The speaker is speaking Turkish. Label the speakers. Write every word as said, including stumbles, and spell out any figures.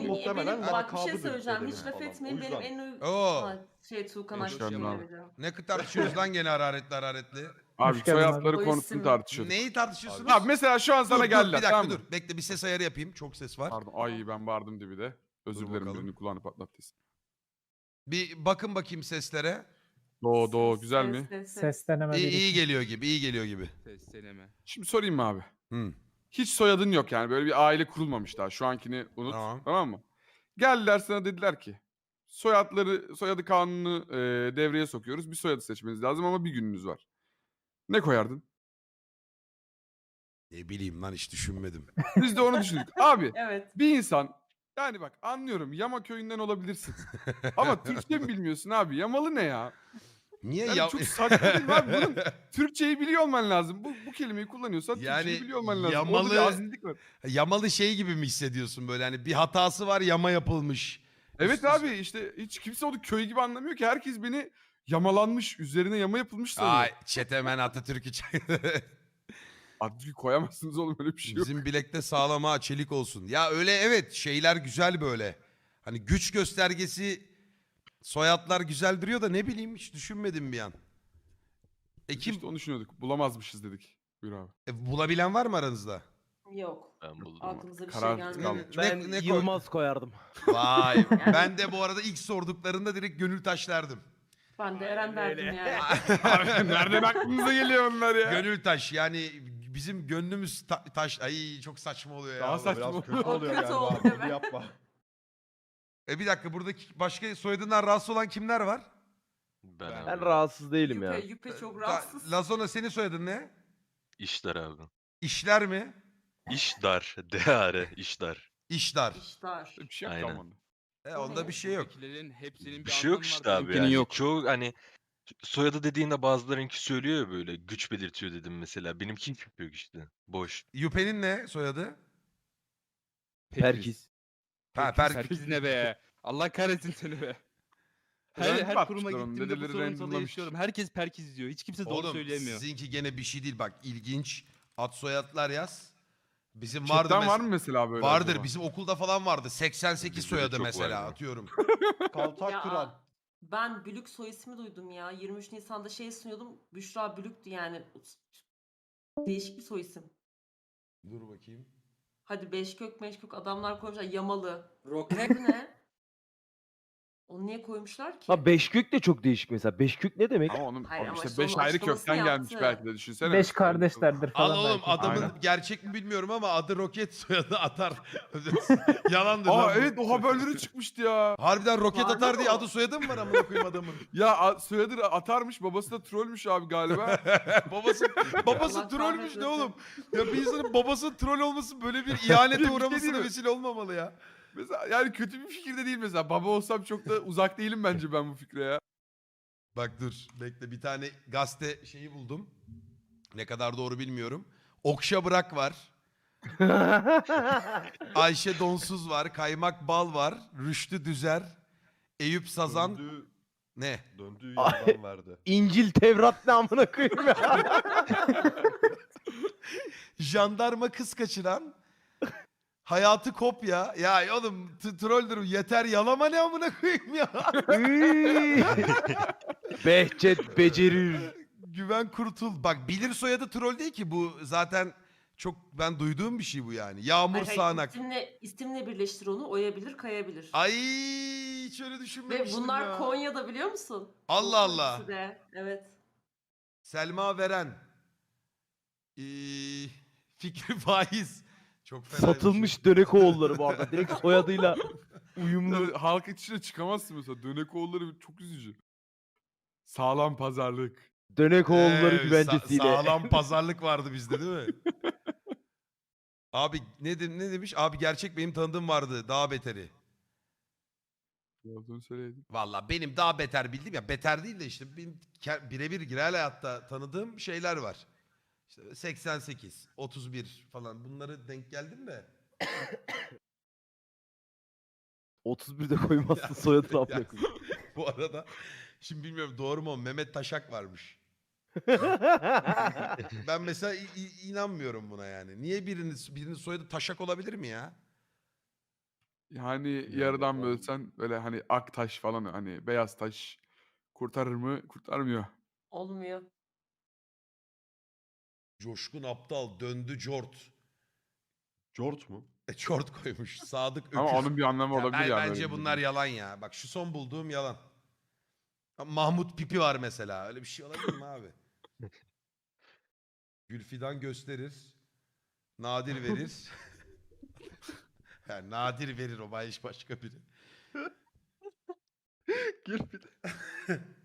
Speaker 1: En iyi-
Speaker 2: muhtemelen
Speaker 1: benim, bak bir
Speaker 2: lakabıdır
Speaker 1: şey söyleyeceğim. Hiç
Speaker 2: dedemin
Speaker 1: laf
Speaker 2: falan.
Speaker 1: etmeyin.
Speaker 2: O
Speaker 1: Benim
Speaker 2: yüzden.
Speaker 1: en uy...
Speaker 3: Oo.
Speaker 1: Aa, şey Tuğkan
Speaker 4: Hoş
Speaker 1: Akçıl
Speaker 4: geldin abi.
Speaker 1: söyleyeceğim.
Speaker 3: Ne tartışıyorsunuz lan gene hararetli hararetli?
Speaker 4: Abi
Speaker 5: Hoş geldin abi.
Speaker 4: soyadları
Speaker 1: O
Speaker 4: konusunu
Speaker 1: isim-
Speaker 4: tartışıyorduk.
Speaker 3: Neyi tartışıyorsunuz?
Speaker 4: Abi mesela şu an
Speaker 3: dur,
Speaker 4: sana
Speaker 3: dur,
Speaker 4: geldiler
Speaker 3: bir dakika
Speaker 4: tamam mı?
Speaker 3: dur. Bekle bir ses ayarı yapayım. Çok ses var.
Speaker 4: Pardon. Ay ben bağırdım dibi de. Özür
Speaker 3: Dur
Speaker 4: dilerim
Speaker 3: bakalım.
Speaker 4: birini kulağını patlattıysa.
Speaker 3: Bir bakın bakayım seslere.
Speaker 4: Do do
Speaker 1: Ses,
Speaker 4: güzel
Speaker 1: ses,
Speaker 4: mi?
Speaker 1: ses, ses.
Speaker 5: Ses deneme
Speaker 3: İyi,
Speaker 5: bir
Speaker 3: iyi
Speaker 5: iki.
Speaker 3: geliyor gibi, iyi geliyor gibi.
Speaker 6: Ses deneme.
Speaker 4: Şimdi sorayım mı abi?
Speaker 3: Hı.
Speaker 4: Hiç soyadın yok yani böyle bir aile kurulmamış daha. Şu ankini unut.
Speaker 3: Tamam.
Speaker 4: Tamam, mı? Geldiler sana dediler ki soyadları soyadı kanunu e, devreye sokuyoruz. Bir soyadı seçmeniz lazım ama bir gününüz var. Ne koyardın?
Speaker 3: Ne bileyim lan hiç düşünmedim.
Speaker 4: Biz de onu düşündük. Abi
Speaker 1: Evet.
Speaker 4: bir insan yani bak anlıyorum Yama köyünden olabilirsin. Ama Türkçe mi bilmiyorsun abi? Yamalı ne ya?
Speaker 3: Niye
Speaker 4: Yani
Speaker 3: ya?
Speaker 4: çok saçma değil mi abi? Bunun Türkçeyi biliyor olman lazım. Bu, bu kelimeyi kullanıyorsan
Speaker 3: Yani
Speaker 4: Türkçeyi biliyor olman lazım.
Speaker 3: yamalı-
Speaker 4: Orada bir azizlik var.
Speaker 3: Yamalı şey gibi mi hissediyorsun böyle hani bir hatası var yama yapılmış.
Speaker 4: Evet
Speaker 3: Üst-
Speaker 4: abi işte hiç kimse onu köy gibi anlamıyor ki. Herkes beni yamalanmış, üzerine yama yapılmış sanıyor.
Speaker 3: Ay çetemen Atatürk'ü çay-
Speaker 4: Abi koyamazsınız oğlum öyle bir şey yok.
Speaker 3: Bizim bilekte sağlam ha çelik olsun. Ya öyle evet şeyler güzel böyle. Hani güç göstergesi soyadlar güzel duruyor da ne bileyim hiç düşünmedim bir an. E
Speaker 4: Biz
Speaker 3: kim
Speaker 4: işte onu düşünüyorduk. Bulamazmışız dedik. Buyur abi.
Speaker 3: e, bulabilen var mı aranızda?
Speaker 1: Yok.
Speaker 6: Ben buldum.
Speaker 1: Aklımıza bir
Speaker 4: Karar
Speaker 1: şey gelmedi.
Speaker 4: kaldı.
Speaker 2: Ben
Speaker 3: Ne- ne koy-
Speaker 2: Yılmaz koyardım.
Speaker 3: Vay ben de bu arada ilk sorduklarında direkt gönül taş derdim.
Speaker 1: Ben de Eren derdim yani.
Speaker 4: Abi nereden aklınıza geliyor onlar ya?
Speaker 3: Gönül taş yani bizim gönlümüz ta- taş. Ay çok saçma oluyor ya.
Speaker 4: Daha
Speaker 3: vallahi.
Speaker 4: saçma
Speaker 2: Biraz
Speaker 4: oluyor.
Speaker 2: kötü oluyor
Speaker 1: Kötü
Speaker 2: yani.
Speaker 1: oldu,
Speaker 2: Abi, bunu
Speaker 1: evet.
Speaker 2: yapma.
Speaker 3: E bir dakika buradaki başka soyadından rahatsız olan kimler var?
Speaker 6: Ben,
Speaker 2: Ben
Speaker 6: abi.
Speaker 7: Ben rahatsız değilim
Speaker 1: Yüpe,
Speaker 7: ya.
Speaker 1: yüpe çok
Speaker 3: Ta-
Speaker 1: rahatsız.
Speaker 3: Lazona senin soyadın ne?
Speaker 6: İşler abi.
Speaker 3: İşler mi?
Speaker 6: İşdar. D-A-R. İşdar.
Speaker 3: İşler.
Speaker 1: İştar.
Speaker 4: Bir şey yok
Speaker 6: Aynen.
Speaker 4: kalmadı.
Speaker 3: E onda bir şey yok.
Speaker 6: Buradakilerin hepsinin bir,
Speaker 8: Bir şey yok
Speaker 6: anlamı var,
Speaker 8: işte abi
Speaker 6: benimkinin
Speaker 8: yani.
Speaker 6: yok. Çoğu hani soyadı dediğinde bazılarınki söylüyor ya böyle güç belirtiyor dedim mesela. Benimki hiç yok işte. Boş.
Speaker 3: Yüpe'nin ne soyadı?
Speaker 7: Perkiz.
Speaker 3: Ha,
Speaker 6: Perkiz,
Speaker 3: Perkiz.
Speaker 6: Perkiz ne be? Allah kahretsin seni be. Her,
Speaker 4: Random
Speaker 6: her kuruma
Speaker 4: atmışlar onu,
Speaker 6: gittiğimde bu
Speaker 4: dedeleri
Speaker 6: sorunu sana
Speaker 4: randomlamış.
Speaker 6: yaşıyorum. Herkes Perkiz diyor. Hiç kimse doğru
Speaker 3: Oğlum
Speaker 6: söyleyemiyor.
Speaker 3: sizinki gene bir şey değil bak ilginç. Ad soyadlar yaz. Bizim vardı
Speaker 4: Chatten var
Speaker 3: mes-
Speaker 4: mı mesela böyle?
Speaker 3: Vardır
Speaker 4: acaba?
Speaker 3: bizim okulda falan vardı. seksen sekiz
Speaker 6: Bizde de
Speaker 3: soyadı
Speaker 6: çok var
Speaker 3: mesela
Speaker 6: ya.
Speaker 3: atıyorum.
Speaker 2: Kaltak
Speaker 1: Ya,
Speaker 2: kıran.
Speaker 1: Ben Bülük soy ismi duydum ya. yirmi üç Nisan'da şey sunuyordum. Büşra Bülük'tü yani. Değişik bir soy isim.
Speaker 3: Dur bakayım.
Speaker 1: Hadi Beşkök Meşkök adamlar koymuşlar. Yamalı.
Speaker 8: Roket.
Speaker 1: Bu ne? Onu niye koymuşlar ki?
Speaker 7: Ha Beşkök de çok değişik mesela. Beşkök ne demek?
Speaker 4: Ama onun
Speaker 1: Hayır
Speaker 4: ama
Speaker 1: ama
Speaker 4: işte
Speaker 1: işte
Speaker 4: beş
Speaker 1: onun
Speaker 4: ayrı
Speaker 1: açıklamasını
Speaker 4: kökten gelmiş
Speaker 1: yaptı.
Speaker 4: belki de düşünsene.
Speaker 5: Beş kardeşlerdir
Speaker 3: Al
Speaker 5: falan
Speaker 3: oğlum
Speaker 5: belki.
Speaker 3: adamın
Speaker 4: Aynen.
Speaker 3: gerçek mi bilmiyorum ama adı roket soyadı atar. Yalandır
Speaker 4: Aa
Speaker 3: lan bu.
Speaker 4: evet o haberleri çıkmıştı ya.
Speaker 3: Harbiden roket
Speaker 1: Var
Speaker 3: atar
Speaker 1: mı
Speaker 3: diye
Speaker 1: o?
Speaker 3: adı soyadı mı var amına koyayım adamın?
Speaker 4: Ya a- soyadı atarmış babası da trollmüş abi galiba.
Speaker 3: babası babası
Speaker 1: Allah
Speaker 3: trollmüş
Speaker 1: kahretmesin.
Speaker 3: ne oğlum? Ya bir insanın babası troll olması böyle bir ihanete
Speaker 4: Bir şey
Speaker 3: uğramasına
Speaker 4: değil mi?
Speaker 3: vesile olmamalı ya.
Speaker 4: Mesela yani kötü bir fikir de değil mesela. Baba olsam çok da uzak değilim bence ben bu fikre ya.
Speaker 3: Bak dur bekle bir tane gazete şeyi buldum. Ne kadar doğru bilmiyorum. Okşa Bırak var. Ayşe Donsuz var. Kaymak Bal var. Rüştü Düzer. Eyüp Sazan.
Speaker 2: Döndüğü,
Speaker 3: Ne?
Speaker 2: döndüğü yerden verdi.
Speaker 7: İncil Tevrat ne amına koyayım ya.
Speaker 3: Jandarma Kız Kaçıran. Hayatı Kopya. Ya oğlum t- trolldür yeter yalama ne amına koyayım ya.
Speaker 7: Behçet becerir.
Speaker 3: Güven Kurtul. Bak bilir soyadı troll değil ki bu zaten çok ben duyduğum bir şey bu yani. Yağmur
Speaker 1: Hayır, hayır,
Speaker 3: Sağanak.
Speaker 1: isimle, isimle birleştir onu. Oyabilir, kayabilir.
Speaker 3: Ay hiç öyle
Speaker 1: Ve
Speaker 3: düşünmemiştim
Speaker 1: bunlar
Speaker 3: ya.
Speaker 1: Konya'da biliyor musun?
Speaker 3: Allah
Speaker 1: Bu
Speaker 3: Allah.
Speaker 1: ikisi de, evet.
Speaker 3: Selma Veren. Ee, Fikri Faiz. Çok fena.
Speaker 7: Satılmış Dönekoğulları bu arada. Direkt soyadıyla uyumlu.
Speaker 4: Yani halk içine çıkamazsın mesela. Dönekoğulları çok üzücü. Sağlam pazarlık.
Speaker 7: Dönekoğulları
Speaker 3: Ee,
Speaker 7: güvencesiyle.
Speaker 3: sa- sağlam pazarlık vardı bizde değil mi? Abi ne, de- ne demiş? Abi gerçek benim tanıdığım vardı. Daha beteri.
Speaker 4: Olduğunu söyleyelim.
Speaker 3: Valla benim daha beter bildiğim ya beter değil de işte benim ke- birebir real hayatta tanıdığım şeyler var. İşte seksen sekiz, otuz bir falan bunları denk geldim de.
Speaker 7: otuz birde koymazsın soyadını amına koyayım.
Speaker 3: Bu arada şimdi bilmiyorum doğru mu Mehmet Taşak varmış. Ben mesela i- i- inanmıyorum buna yani. Niye birinin birinin soyadı Taşak olabilir mi ya?
Speaker 4: Yani
Speaker 2: Yani
Speaker 4: yarıdan
Speaker 2: on-
Speaker 4: bölsen böyle hani ak taş falan hani beyaz taş kurtarır mı? Kurtarmıyor.
Speaker 1: Olmuyor.
Speaker 3: Coşkun Aptal döndü Jort.
Speaker 2: Jort mu?
Speaker 3: E Jort koymuş. Sadık Öküz.
Speaker 4: Ama onun bir anlamı
Speaker 3: Ya
Speaker 4: olabilir
Speaker 3: ben-
Speaker 4: ya. böyle
Speaker 3: bence
Speaker 4: bir
Speaker 3: bunlar
Speaker 4: durum.
Speaker 3: yalan ya. Bak şu son bulduğum yalan. Mahmut Pipi var mesela. Öyle bir şey olabilir mi abi? Gülfidan gösterir. Nadir verir. Yani nadir verir o baş başka biri.
Speaker 2: Gül bir de.